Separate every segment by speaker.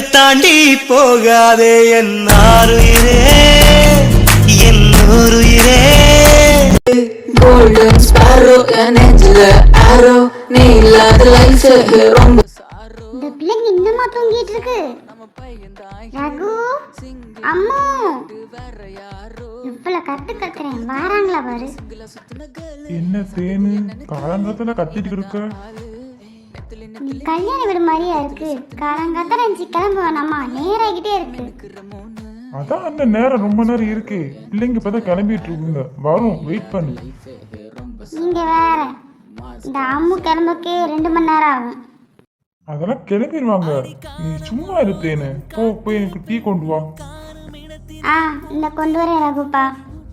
Speaker 1: தாண்டி போகாதே என் ஆருயிரே என் ஊருயிரே.
Speaker 2: Golden sparrow என் நெஞ்சில arrow நீ இல்லாத லைஃப் ரொம்ப
Speaker 3: இந்த பிள்ளைங்க இன்னுமா தூங்கிட்டு இருக்கு? ரகு அம்மா இவ்வளவு கத்துறேன் வாராங்களா பாரு.
Speaker 4: என்ன தேனு காலங்காலத்துல கத்திட்டு இருக்க?
Speaker 3: கல்யாண வீடு மாதிரியா இருக்கு. காலங்காத்தால அஞ்சு கிளம்ப வேணாமா, நேராகிட்டே இருக்கு.
Speaker 4: அதான் அந்த நேரம் ரொம்ப நேரம் இருக்கு. பிள்ளைங்க இப்பதான் கிளம்பிட்டு இருக்குங்க, வரும், வெயிட் பண்ணு.
Speaker 3: நீங்க வேற, இந்த அம்மு கிளம்புக்கே 2 மணி நேரம் ஆகும்.
Speaker 4: அதெல்லாம் கிளம்பிடுவாங்க, நீ சும்மா இரு தேனு. போய் எனக்கு டீ கொண்டு வா.
Speaker 3: இந்த கொண்டு வரேன் ரகுப்பா.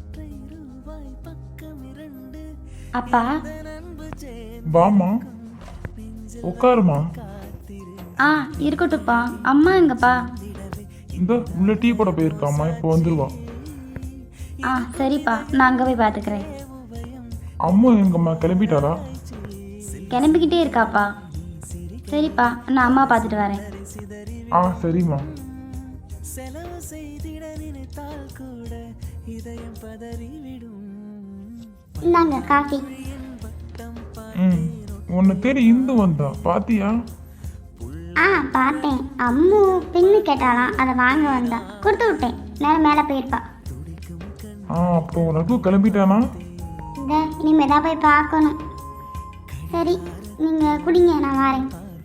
Speaker 3: அப்பா
Speaker 4: வாமா, உட்காருமா.
Speaker 3: இருக்கட்டும்ப்பா. அம்மா எங்கப்பா?
Speaker 4: இந்த உள்ள டீ போட போயிருக்காமா, இப்போ வந்துருவா.
Speaker 3: சரிப்பா, நான் அங்கே போய் பார்த்துக்கிறேன்.
Speaker 4: அம்மா எங்கம்மா, கிளம்பிட்டாளா?
Speaker 3: கிளம்பிக்கிட்டே இருக்காப்பா. சரிப்பா, நான் அம்மா பார்த்துட்டு வரேன்.
Speaker 4: சரிம்மா.
Speaker 3: இந்தாங்க காஃபி.
Speaker 4: உன்னை தேடி இந்து வந்தா பாத்தியா?
Speaker 3: பார்த்தேன். அம்மு பின்னு கேட்டாலாம், அதை வாங்க வந்தா, கொடுத்து விட்டேன். நேரம் மேலே போயிருப்பா.
Speaker 4: அப்போ ரகு கிளம்பிட்டானா?
Speaker 3: இனிமே தான் போய் பார்க்கணும். சரி, நீங்கள் குடிங்க, நான் வரேன்.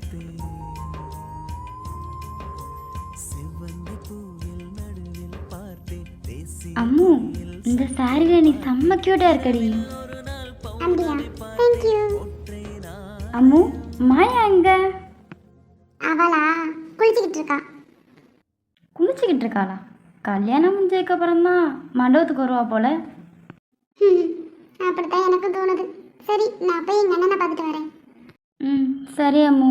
Speaker 3: அம்மு, இந்த சாரியில நீ செம்ம கியூட்டா இருக்கடி. அப்படியா? Thank you. அம்மு, மாயா எங்க? அவளா குளிச்சுக்கிட்டு இருக்கா. குளிச்சுக்கிட்டு இருக்காளா? கல்யாணம் முடிஞ்சதுக்கு அப்புறம் தான் மண்டபத்துக்கு வருவா போல. அப்படித்தான் எனக்கு தோணுது. சரி, நான் போய் எங்க அண்ணனை பார்த்துட்டு வரேன். சரி அம்மு.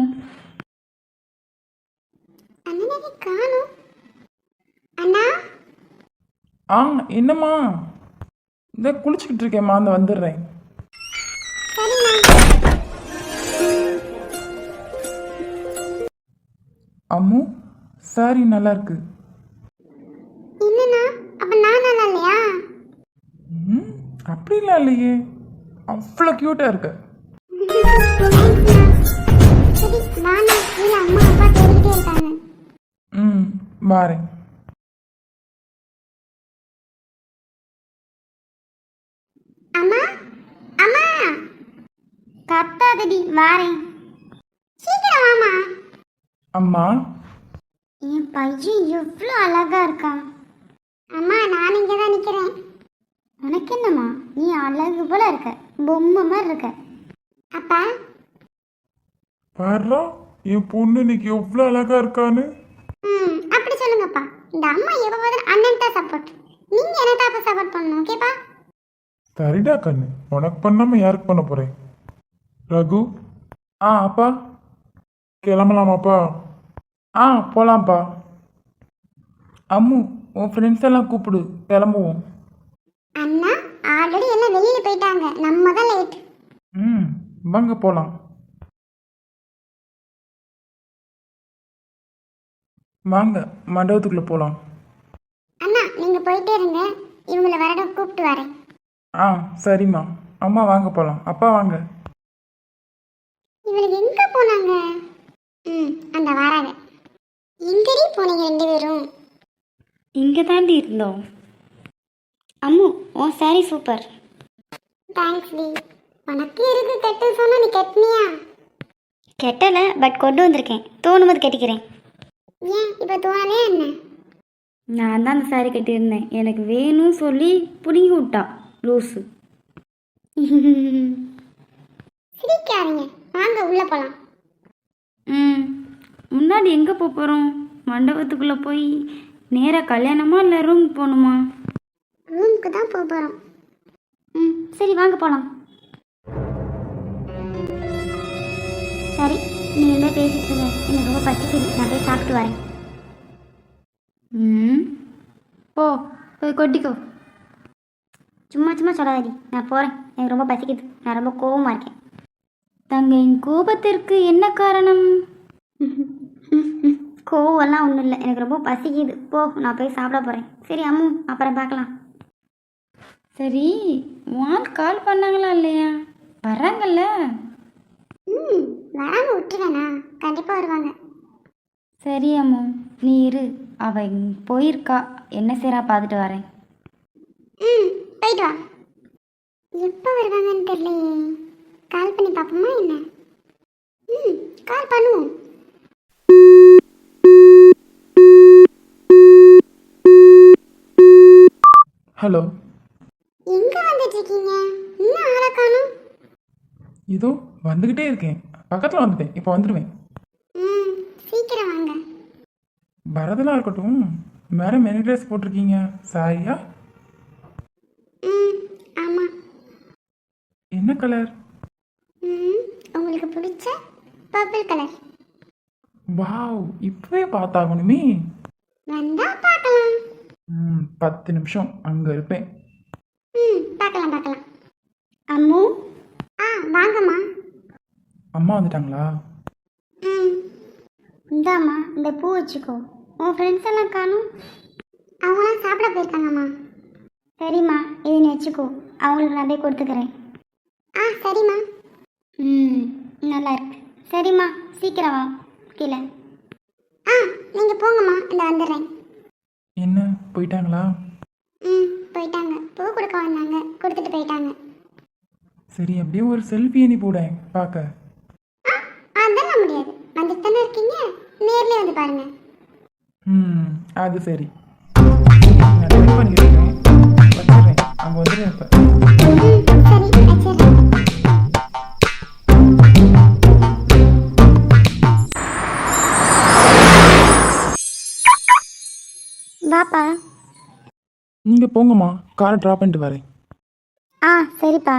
Speaker 3: அண்ணனை காணோம். அண்ணா.
Speaker 4: என்னம்மா? இந்த குளிச்சுக்கிட்டு இருக்கேம்மா, அந்த வந்துடுறேன். அம்மு, சாரி நல்லா இருக்கு.
Speaker 3: என்னண்ணா, அப்ப நான் நல்லா இல்லையா?
Speaker 4: அப்படிலாம் இல்லையே, அவ்வளோ கியூட்டா இருக்க.
Speaker 3: சரி, நானா இல்ல அம்மா அப்பா தேடிட்டே இருக்காங்க.
Speaker 4: வாரேன்.
Speaker 3: அம்மா அம்மா, கத்தாதடி, வாரேன். சீக்கிரம் வாமா.
Speaker 4: அம்மா,
Speaker 3: என் பையன் எவ்வளோ அழகா இருக்கான். அம்மா, நான் இங்கே தான் நிற்கிறேன். உனக்கு என்னம்மா, நீ அழகு போல இருக்க, பொம்மை மாதிரி இருக்க. அப்பா
Speaker 4: பாருடா, என் பொண்ணு இன்னைக்கு எவ்வளோ அழகா இருக்கான்னு.
Speaker 3: அப்படி சொல்லுங்கப்பா. இந்த அம்மா எப்போ அண்ணன் தான் சப்போர்ட், நீங்க என்ன தான் அப்போ சப்போர்ட் பண்ணணும். ஓகேப்பா?
Speaker 4: சரிடா கண்ணு, உனக்கு பண்ணாம யாருக்கு பண்ண போறேன்? ரகு. அப்பா கிளம்பலாமாப்பா? போலாம்ப்பா. அம்மு, உன் ஃப்ரெண்ட்ஸ் எல்லாம் கூப்பிடு, கிளம்புவோம்.
Speaker 3: அண்ணா ஆல்ரெடி எல்லாம் வெளியில போயிட்டாங்க, நம்ம தான் லேட்.
Speaker 4: வாங்க போலாம். வாங்க மண்டபத்துக்குள்ள போலாம்.
Speaker 3: அண்ணா நீங்க போயிட்டே இருங்க, இவங்களை வரட கூப்பிட்டு வரேன்.
Speaker 4: சரிம்மா. அம்மா வாங்க போலாம். அப்பா வாங்க.
Speaker 3: இவளுக்கு எங்க போனாங்க? அந்த வராங்க. எங்கடி போனீங்க 2 பேரும்? இங்கே தாண்டி இருந்தோம். அம்மு, உன் சாரி சூப்பர். Thanks D. உனக்கு இருக்கு கட்டு சொன்னா நீ கட்டினியா? கெட்டலை, பட் கொண்டு வந்திருக்கேன். தோணும்போது கட்டிக்கிறேன். ஏன் இப்போ தோணலே என்ன? நான் தான் அந்த சாரி கட்டியிருந்தேன், எனக்கு வேணும்னு சொல்லி பிடுங்கி விட்டா லூஸு. சிரிக்காதீங்க, வாங்க உள்ளே போகலாம். முன்னாடி எங்கே போகிறோம்? மண்டபத்துக்குள்ளே போய் நேராக கல்யாணமா இல்லை ரூமுக்கு போகணுமா? ரூமுக்கு தான் போகிறோம். சரி வாங்க போகலாம். சரி, நீங்கள் பேசிட்டு இருங்க, எனக்கு ரொம்ப பசிக்குது, நான் போய் சாப்பிட்டு வரேன். போய் கொட்டிக்கோ. சும்மா சும்மா சொல்லாதடி, நான் போகிறேன், எனக்கு ரொம்ப பசிக்குது, நான் ரொம்ப கோபமாக இருக்கேன். தங்கையின் கோபத்திற்கு என்ன காரணம்? கோவம்லாம் ஒன்றும் இல்லை, எனக்கு ரொம்ப பசிக்குது. போ, நான் போய் சாப்பிட போகிறேன். சரி அம்மு, அப்புறம் பார்க்கலாம்.
Speaker 5: சரி, வால் கால் பண்ணாங்களா இல்லையா? வர்றாங்கல்ல?
Speaker 3: வராம விட்டுருவேண்ணா, கண்டிப்பாக வருவாங்க.
Speaker 5: சரி அம்மு, நீ இரு, அவ போயிருக்கா, என்ன செய்றா பார்த்துட்டு வரேன்.
Speaker 3: போயிட்டு வா. எப்போ வருவாங்கன்னு தெரியலையே, கால் பண்ணி பார்ப்போமா என்ன? கால் பண்ணுவோம்.
Speaker 4: ஹலோ,
Speaker 3: எங்கே வந்துட்டு இருக்கீங்க? இன்னும் ஆளை காணும்.
Speaker 4: இதோ வந்துக்கிட்டே இருக்கேன், பக்கத்தில் வந்துட்டேன், இப்போ வந்துடுவேன்.
Speaker 3: சீக்கிரம் வாங்க.
Speaker 4: வரதெல்லாம் இருக்கட்டும், மேடம் என்ன ட்ரெஸ் போட்டிருக்கீங்க? சாரியா?
Speaker 3: ஆமாம்.
Speaker 4: என்ன கலர்?
Speaker 3: உங்களுக்கு பிடிச்ச பர்பிள் கலர்.
Speaker 4: வாவ், இப்பவே பார்த்தாகணுமே.
Speaker 3: வந்தா பார்க்கலாம்.
Speaker 4: 10 நிமிஷம் அங்கே இருப்பேன்.
Speaker 3: பார்க்கலாம். அம்மு. வாங்கம்மா.
Speaker 4: அம்மா வந்துட்டாங்களா?
Speaker 3: இந்தாம்மா, இந்த பூ வச்சுக்கோ. உன் ஃப்ரெண்ட்ஸ் எல்லாம் காணும். அவங்களாம் சாப்பிட போயிருக்காங்கம்மா. சரிம்மா, இது நீ வச்சுக்கோ, அவங்களுக்கு நான் போய் கொடுத்துக்கிறேன். சரிம்மா. நல்லா இருக்கு. சரிம்மா, சீக்கிரம் வா கீழே. நீங்கள் போங்கம்மா, இந்த வந்துடுறேன்.
Speaker 4: என்ன, போயிட்டாங்களா?
Speaker 3: போயிட்டாங்க. பூ கொடுக்க வந்தாங்க, கொடுத்துட்டு போயிட்டாங்க.
Speaker 4: சரி, அப்படியே ஒரு செல்ஃபி அணி போடேன் பார்க்க.
Speaker 3: அதெல்லாம் முடியாது, வந்துட்டு தானே இருக்கீங்க, நேர்லேயே வந்து பாருங்க.
Speaker 4: அது சரி, நான் ட்ரை பண்ணிக்கிறேன், வச்சிடுறேன், அங்கே வந்துடுறேன் இப்போ.
Speaker 3: சரி, வச்சிடுறேன். வாப்பா.
Speaker 4: நீங்கள் போங்கம்மா, காரை ட்ராப் பண்ணிட்டு வரேன்.
Speaker 3: சரிப்பா.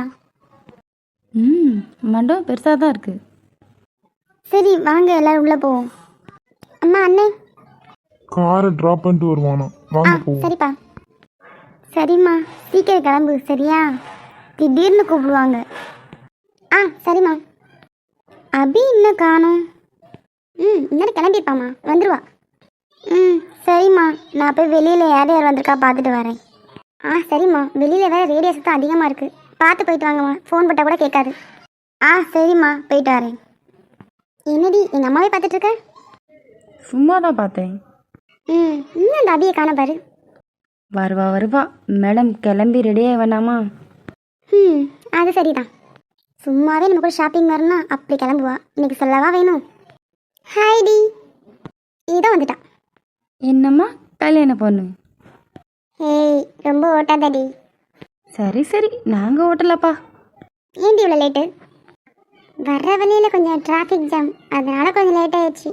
Speaker 5: மண்டபம் பெருசாக தான் இருக்குது.
Speaker 3: சரி வாங்க, எல்லாரும் உள்ளே போவோம். அம்மா, அண்ணே.
Speaker 4: காரை ட்ராப் பண்ணிட்டு வருவானா? வாங்க போவோம்.
Speaker 3: சரிப்பா. சரிம்மா, சீக்கிரம் கிளம்பு சரியா? திடீர்னு கூப்பிடுவாங்க. சரிம்மா. அபி இன்னும் காணும். இன்னும் கிளம்பிருப்பாம்மா, வந்துடுவா. சரிம்மா, நான் போய் வெளியில் யார் யார் வந்திருக்கா பார்த்துட்டு வரேன். சரிம்மா, வெளியில் வேறு ரேடியோ சத்தம் அதிகமாக இருக்குது, பார்த்து போயிட்டு வாங்கம்மா, ஃபோன் போட்டால் கூட கேட்காது. சரிம்மா, போயிட்டு வரேன். என்னடி எங்கள் அம்மாவே பார்த்துட்டு இருக்க?
Speaker 5: சும்மா தான் பார்த்தேன்.
Speaker 3: இன்னும் அந்த அபியை காண பாரு.
Speaker 5: வருவா, மேடம் கிளம்பி ரெடியாக வேணாமா?
Speaker 3: அது சரிதான். சும்மாவே நம்ம கூட ஷாப்பிங் வரணும்னா அப்படி கிளம்புவா, இன்னைக்கு சொல்லவா வேணும்? ஹாய்டி. இதோ வந்துட்டான்.
Speaker 5: என்னம்மா கல்யாண பொண்ணு?
Speaker 3: ரொம்ப ஓட்டாதடி.
Speaker 5: சரி, நாங்கள் ஓட்டலப்பா.
Speaker 3: ஏன்டி இவ்வளோ லேட்டு? வர்ற வழியில் கொஞ்சம் டிராஃபிக் ஜாம், அதனால கொஞ்சம் லேட் ஆயிடுச்சு.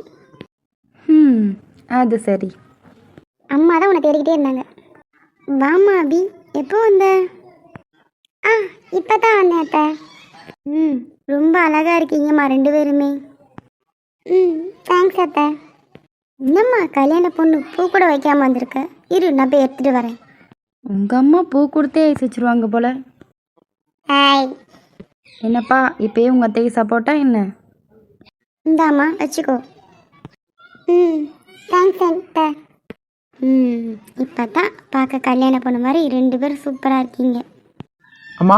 Speaker 5: அது சரி.
Speaker 3: அம்மா தான் உன்னை தேடிக்கிட்டே இருந்தாங்க. வாமா அபி, எப்போ வந்த? இப்போ தான் வந்தேன் அத்தை. ரொம்ப அழகாக இருக்கீங்கம்மா 2 பேருமே. தேங்க்ஸ் அத்தை. என்னம்மா கல்யாண பொண்ணு பூ கூட வைக்காமல் வந்திருக்க? இரு, நான் போய் எடுத்துகிட்டு வரேன்.
Speaker 5: உங்கள் அம்மா பூ கொடுத்தே ஐஸ் வச்சுருவாங்க போல. என்னப்பா, இப்போயே உங்கள் அத்தைக்கு சப்போர்ட்டா என்ன?
Speaker 3: இந்தாம்மா வச்சுக்கோ. தேங்க்ஸ் அத்தை. இப்போ தான் பார்க்க கல்யாண பொண்ணு மாதிரி 2 பேரும் சூப்பராக இருக்கீங்க.
Speaker 4: அம்மா.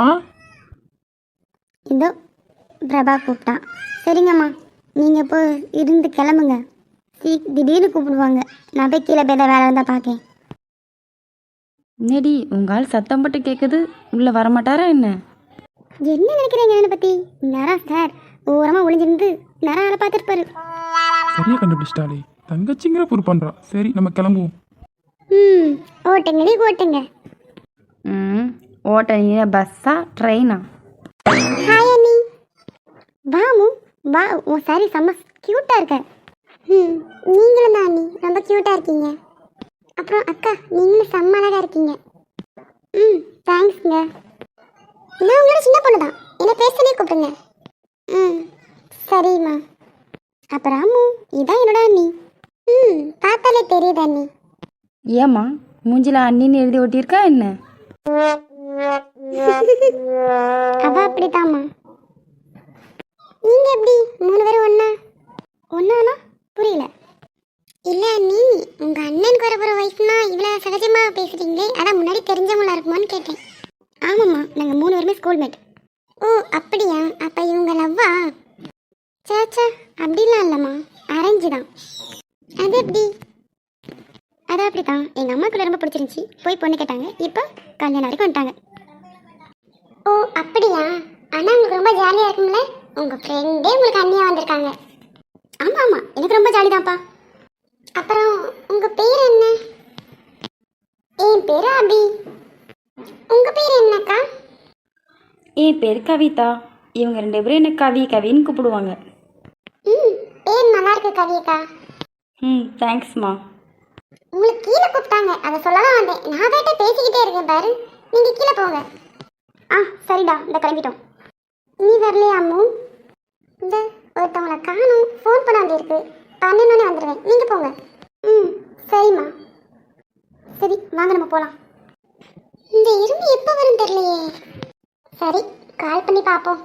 Speaker 3: இதோ பிரபா கூப்பிட்டான். சரிங்கம்மா, நீங்கள் போய் இருந்து கிளம்புங்க, திடீர்னு கூப்பிடுவாங்க. நான் போய் கீழே போய் வேலை இருந்தால் பார்க்கேன்.
Speaker 5: என்னடி உங்கள் ஆள் சத்தம் போட்டு கேட்குது, உள்ளே வரமாட்டாரா என்ன?
Speaker 3: என்ன நினைக்கிறீங்க என்னை பற்றி? நேரம் சார் ஓரமாக ஒளிஞ்சிருந்து நேரம் ஆளை பார்த்துருப்பாரு.
Speaker 4: சரியா கண்டுபிடிச்சிட்டாலே, தங்கச்சிங்கிற பொறு பண்ணுறா. சரி, நம்ம கிளம்புவோம்.
Speaker 3: ஓட்டுங்கடி ஓட்டுங்க.
Speaker 5: ஓட்ட பஸ்ஸா ட்ரெயினா?
Speaker 3: ஹாய் அண்ணி. வாமு வா, உன் சாரி செம்ம க்யூட்டாக இருக்க. நீங்களும் தான் அண்ணி, ரொம்ப க்யூட்டாக இருக்கீங்க. அப்புறம் அக்கா, நீங்களும் செம்ம அழகாக இருக்கீங்க. தேங்க்ஸ்ங்க. நான் உங்களோட சின்ன பொண்ணு தான், என்னை பேசனே கூப்பிடுங்க. சரிம்மா. அப்புறம் அம்மு, இதான் என்னோட அண்ணி. பார்த்தாலே தெரியுது அண்ணி.
Speaker 5: ஏம்மா மூஞ்சில அண்ணின்னு எழுதி ஒட்டியிருக்கா என்ன?
Speaker 3: அவ அப்படித்தாம்மா. நீங்க எப்படி 3 பேரும் ஒண்ணானா? புரியல. இல்ல நீ உங்க அண்ணனுக்கு வரப்போற ஒய்ஃப்னா இவ்வளவு சகஜமா பேசுறீங்களே, அதான் முன்னாடி தெரிஞ்சவங்களா இருக்குமான்னு கேட்டேன். ஆமாம்மா, நாங்க 3 பேருமே ஸ்கூல்மேட். ஓ அப்படியா, அப்ப இவங்க லவ்வா? சாச்சா அப்படிலாம் இல்லம்மா, அரேஞ்சு தான். அது எப்படி? அது அப்படித்தான், எங்க அம்மாக்குள்ள ரொம்ப பிடிச்சிருந்துச்சி, போய் பொண்ணு கேட்டாங்க, இப்போ கல்யாணம் வரைக்கும் வந்துட்டாங்க. ஓ அப்படியா, ஆனா உங்களுக்கு ரொம்ப ஜாலியா இருக்கும்ல, உங்க ஃப்ரெண்டே உங்களுக்கு அண்ணியா வந்திருக்காங்க. ஆமா ஆமா, எனக்கு ரொம்ப ஜாலி தான்ப்பா. அப்புறம் உங்க பேர் என்ன? என் பேரு அபி. உங்க பேர் என்னக்கா?
Speaker 5: என் பேர் கவிதா. இவங்க 2 பேரும் என்ன கவி கவின்னு கூப்பிடுவாங்க.
Speaker 3: பேர் நல்லா இருக்கு கவியக்கா.
Speaker 5: தேங்க்ஸ்மா.
Speaker 3: உங்களுக்கு கீழே கூப்பிட்டாங்க, அதை சொல்லலாம் வந்தேன். நான் வேட்ட பேசிக்கிட்டே இருக்கேன் பாரு, நீங்க கீழே போங்க. சரிடா, இந்த கிளம்பிட்டோம். நீ வரலையா அம்மு? இந்த ஒருத்தவங்களை காணும், ஃபோன் பண்ண வேண்டியிருக்கு. 12 வந்துடுவேன், நீங்க போங்க. சரிம்மா. சரி வாங்க நம்ம போலாம். இந்த இரும்பு எப்போ வரும் தெரியலையே. சரி கால் பண்ணி பார்ப்போம்.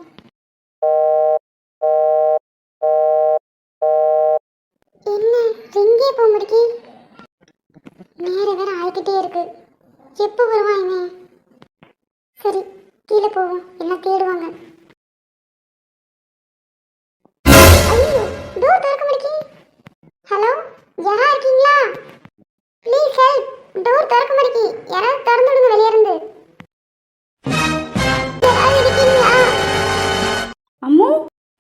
Speaker 3: என்ன ரிங்கே போக முடிக்கி, நேரம் வேற ஆகிக்கிட்டே இருக்கு. எப்போ வருவான் இவன்? சரி கீழே போவோம், எல்லாம் தேடுவாங்க. ஐயோ, டோர் திறக்க முடிக்கி. ஹலோ, யாரா இருக்கீங்களா? ப்ளீஸ் ஹெல்ப், டோர் திறக்க முடிக்கி, யாராவது திறந்து விடுங்க வெளியே இருந்து. யாராவது இருக்கீங்களா?
Speaker 5: அம்மு,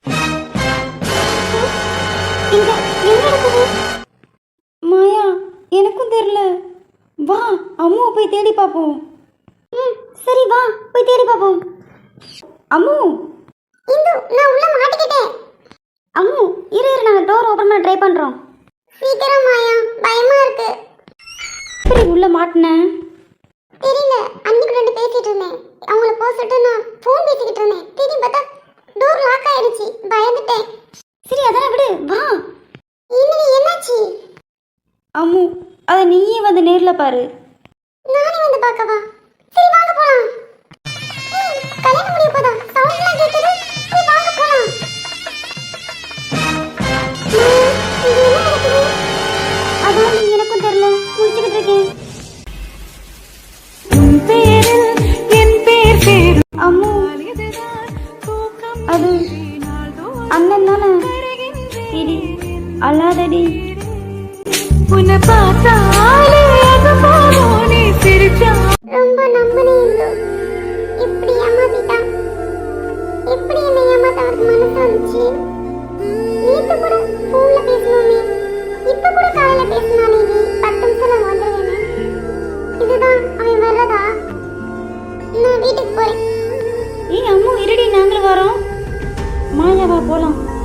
Speaker 3: இங்க என்ன நடக்குது?
Speaker 5: மாயா, எனக்கும் தெரியல. வா அம்முவை போய் தேடி பார்ப்போம்.
Speaker 3: சரி வா போய் தேடி பார்ப்போம்.
Speaker 5: அம்மு,
Speaker 3: இந்து, நான் உள்ள மாட்டிக்கிட்டேன்.
Speaker 5: அம்மு இரு இரு, நாங்கள் டோர் ஓப்பன் பண்ண ட்ரை பண்ணுறோம்.
Speaker 3: சீக்கிரம் மாயா, பயமா இருக்கு.
Speaker 5: எப்படி உள்ள மாட்டினேன்?
Speaker 3: தெரியல, அன்னைக்கு 2 பேசிட்டு இருந்தேன், அவங்கள போக சொல்லிட்டு நான் ஃபோன் பேசிக்கிட்டு இருந்தேன். திரும்பி பார்த்தா டோர் லாக் ஆயிடுச்சு, பயந்துட்டேன்.
Speaker 5: சரி அதெல்லாம் விடு, வா.
Speaker 3: இன்னும் என்னாச்சு?
Speaker 5: அம்மு, அதை நீயே வந்து நேரில் பாரு.
Speaker 3: நானே வந்து பார்க்கவா? சரி வாங்க போலாம். கல்யாணம் முடிய போதா, சவுண்ட்லாம் கேட்குது. சரி வாங்க போலாம். இது என்ன நடக்குது?
Speaker 5: அதான் எனக்கும் தெரியல, முடிச்சுக்கிட்டு இருக்கேன். அம்மு, அது அண்ணன் தானே? இடி அல்லாதடி, உன்னை பார்த்தாலே நீ சிரிச்சா.
Speaker 3: ரொம்ப நம்பினேன். எப்படி ஏமாத்திட்டான்? எப்படி என்னை ஏமாத்த அவருக்கு மனசு வந்துச்சு? நேத்து கூட ஃபோன்ல பேசணுமே, இப்ப கூட காலையில பேசினானே, 10 நிமிஷம் நான் வந்துருவேன். இதுதான் அவன் வர்றதா? நான் வீட்டுக்கு போறேன்.
Speaker 5: ஏய் அம்மு இருடி, நாங்களும் வரோம். மாயாவா போலாம்.